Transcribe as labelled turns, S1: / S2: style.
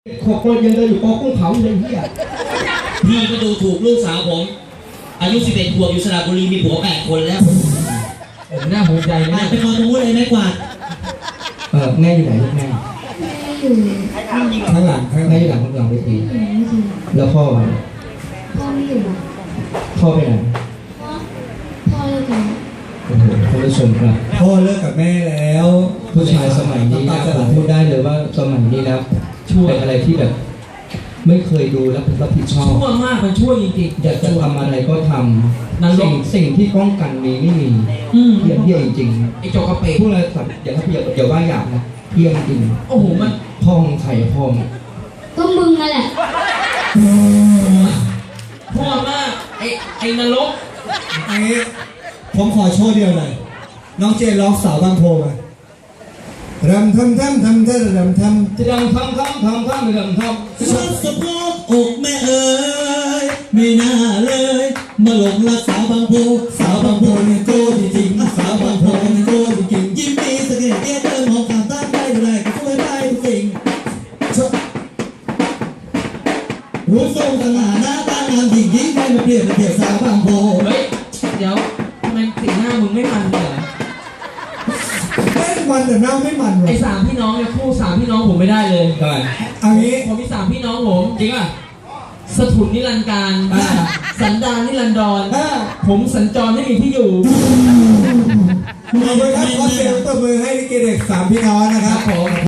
S1: ขอบคนยังเดินอยู่ปอกุ้งเผาเลยพี่อ่ะ
S2: พี่ก็ดูถูกลูกสาวผมอายุ11 ขวบอยู่สระบุรีมีผัว8 คนแล้ว
S1: หน้าภูมิใจนะ
S2: ไปคอตรงนู้นเลยแม่กวาด
S1: แม่อยู่ไหนลูกแม่
S3: อยู่
S1: ข้างหลังแม่อยู่หลังเวทีแล้วพ่อ
S3: ไม่อยู่
S1: พ่อไปไหน
S3: พ่อเลิกกัน
S1: โอ้โหท่านผู้ชมครับพ่อเลิกกับแม่แล้วผู้ชายสมัยนี้นะผมพูดได้เลยว่าสมัยนี้นะเป็นอะไรที่แบบไม่เคยดูแล้วรับผิดชอบ
S2: ชั่วมากมันชั่วจริง
S1: ๆอยากจะทำอะไรก็ทำสิ่งที่ป้องกันมีไม่มีเพี้ยนจริง
S2: ไอ้โจกระเปะ
S1: พูดอะไรสัตว์อย่าว่าหยาบนะเพี้ยนจริง
S2: โอ้โหมัน
S1: พ่อมึงไข่พ่อมึง
S3: ก็มึงนั่นแหละ
S2: พ่อมากไอ้นรก
S4: อันนี้ผมขอโชว์เดียวเลยน้องเจร้องสาวบางโพมารำทำรำ
S2: ชัดสะโพกอกแม่เอ๋ยไม่น่าเลยมาหลงรักสาวบางโพ
S4: นี่โก้จริงสาวบางโพนี่โก้จริง
S2: ยิ้มดีสะเก็ดเตี้ยเดินมองข้ามตาได้ดูแลก็ช่วยได้ทุกสิ่งรู้ทรงสง่าหน้าตางามหญิงยิ่งได้มาเปรียบสาวบางโพเฮ้ยเดี๋ยวทำไมสีหน้ามึงไม่มันเลย
S4: มันแต่หน้าไม่มัน
S2: ไอ้3 พี่น้องเนี่ยคู่3 พี่น้องผมไม่ได้เลย
S1: ทำไม
S4: อันนี้
S2: ผมมี3 พี่น้องผมจริงอ่ะสถุนนิรันดร์การสันดานนิรันดรผมสัญจรไม่มีที่อยู่
S4: ขอบคุณครับขอเสียงตบมือให้ลิเกเด็ก3 พี่น้องนะครับผม